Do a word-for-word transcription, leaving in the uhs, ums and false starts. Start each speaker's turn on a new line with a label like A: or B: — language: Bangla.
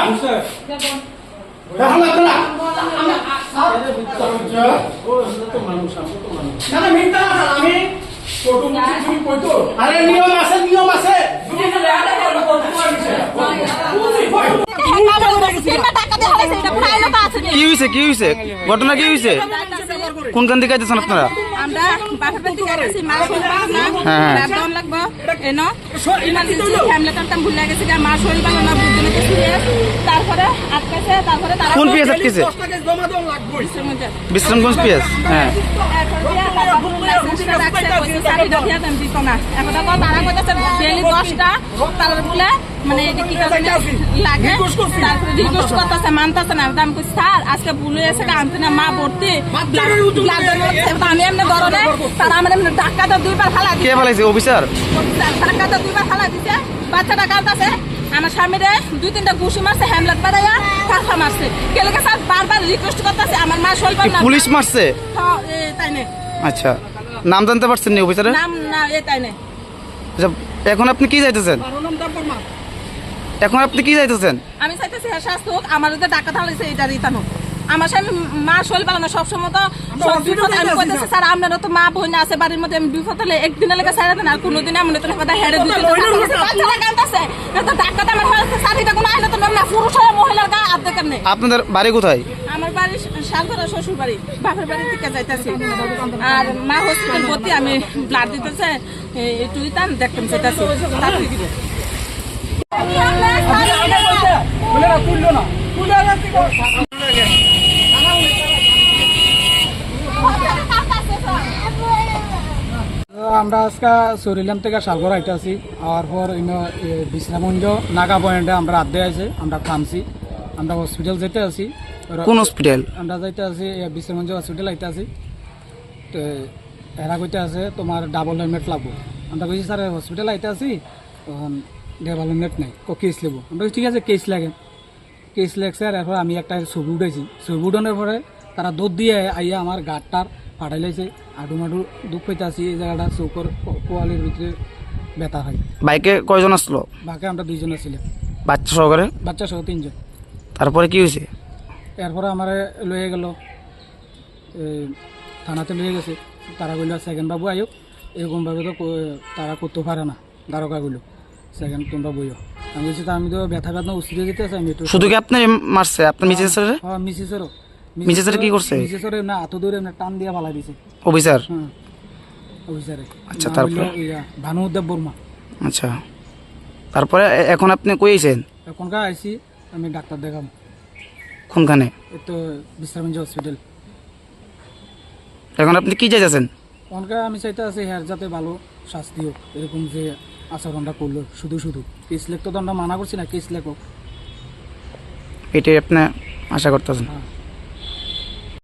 A: আরে নিয়ম আছে নিয়ম আছে
B: কি হয়েছে কি হয়েছে ঘটনা কি হয়েছে কোনখান থেকে আইতেছেন আপনারা
C: আমরা বাপের বাড়ি থেকে আইছি মা শরীর ভালো না ল্যাপটপ লাগবে এনো ইমার্জেন্সি ফ্যামিলি টাইম ভুলে গেছে মা শরীর ভালো না বুঝলে কিছু তারপরে আটকাছে তারপরে তারা
B: কোন পিএস আটকেছে বিশ্রামগঞ্জ পিএস হ্যাঁ
C: তারা কইতাছে ডেইলি দশটা তার বলে মানে কি কাজে লাগে তারপরে রিকোয়েস্ট করতেছে মানতেছে না দাম কই স্যার আজকে ভুলে এসে আনতে না মা ভর্তি আমি এমনি ধরনে তারা আমার এমনি ডাক্তার দুইবার ফালা
B: কে ফেলাইছে অফিসার
C: ডাক্তার দুইবার ফালা দিছে বাচ্চাটা কাঁদতেছে আমার স্বামীরে দুই তিনটা ঘুষি মারছে হ্যামলেট বাড়াইয়া কাঁথা মারছে কেলেকে স্যার বারবার রিকোয়েস্ট করতেছে আমার মা শরীর না
B: পুলিশ মারছে
C: হ্যাঁ তাই না
B: আচ্ছা নাম জানতে পারছেন না অফিসারের
C: নাম না এ তাই না
B: আচ্ছা এখন আপনি কি চাইতেছেন এখন আপনি কি চাইতেছেন
C: আমি চাইতেছি হ্যাঁ শাস্তি হোক আমার যদি ডাক্তার থাকলে এটা রিটার্ন হোক আমার স্বামী মা শরীর ভালো না সবসময় তো বিপদ আমি কইতেছি স্যার আপনারও তো মা বোন আছে বাড়ির মধ্যে আমি বিপদ হলে একদিনের লেগে ছাড়া দেন আর কোনোদিন এমন তো কথা হেরে দিতে বাচ্চারা কাঁদতেছে তো ডাক্তার আমার সাথীটা কোনো আইলে তো না পুরুষ হয় মহিলার গায়ে হাত দেখেন নেই
B: আপনাদের বাড়ি কোথায়
C: আমার বাড়ি শালগড়া শ্বশুর বাড়ি বাপের বাড়ি থেকে যাইতেছি আর মা হসপিটাল ভর্তি আমি ব্লাড দিতেছে একটু দিতাম দেখতাম চাইতেছি তাড়াতাড়ি দিব
A: আমরা আজকে সরিলাম থেকে সাগর আইতে আছি আর পর বিশ্রামগঞ্জ নাগা পয়েন্টে আমরা আড্ডে আছে আমরা থামছি আমরা হসপিটাল যেতে আছি
B: কোন হসপিটাল
A: আমরা যাইতে আছি বিশ্রামগঞ্জ হসপিটাল আইতে আছি তো এরা কইতে আছে তোমার ডাবল হেলমেট লাগবো আমরা কইছি স্যার হসপিটাল আইতে আছি তখন ডাবল হেলমেট নাই কেস নেবো আমরা ঠিক আছে কেস লাগে কেস লাগছে আর এরপর আমি একটা ছবি উঠেছি ছবি উঠানোর পরে তারা দুধ দিয়ে আইয়া আমার গাড়টার ফাটাই লাইছে আডু মাডু দুঃখ পাইতে আসি এই জায়গাটা চৌকর পোয়ালির ভিতরে ব্যথা হয়
B: বাইকে কয়জন আসলো
A: বাইকে আমরা দুইজন আসছিলাম
B: বাচ্চা সহকারে
A: বাচ্চা সহ তিনজন
B: তারপরে কি হয়েছে
A: এরপরে আমার লয়ে গেল থানাতে লয়ে গেছে তারা বলল সেকেন্ড বাবু আয়ো এরকমভাবে তো তারা করতে পারে না দ্বারকাগুলো সেকেন্ড তোমরা বইও আমি বলছি তা আমি তো ব্যথা ব্যথা উচিত যেতে আছি আমি
B: শুধু কি আপনি মারছে আপনার মিসেস
A: হ্যাঁ মিসেসেরও
B: মিসেসের কি করছে
A: মিসেসের না এত দূরে না টান দিয়ে ফালাই দিছে
B: অফিসার
A: হ্যাঁ অফিসারে
B: আচ্ছা তারপরে
A: ভানুদেব বর্মা
B: আচ্ছা তারপরে এখন আপনি কই আইছেন
A: এখনকার আইসি আমি ডাক্তার দেখাম
B: কোনখানে
A: এই তো বিশ্রামগঞ্জ হসপিটাল
B: এখন আপনি কি চাইতেছেন
A: এখনকার আমি চাইতে আছি হ্যার যাতে ভালো শাস্তি হোক এরকম যে আচরণটা করলো শুধু শুধু কেস লেখ তো আমরা মানা করছি না কেস লেখ হোক
B: এটাই আপনি আশা করতেছেন
A: হ্যাঁ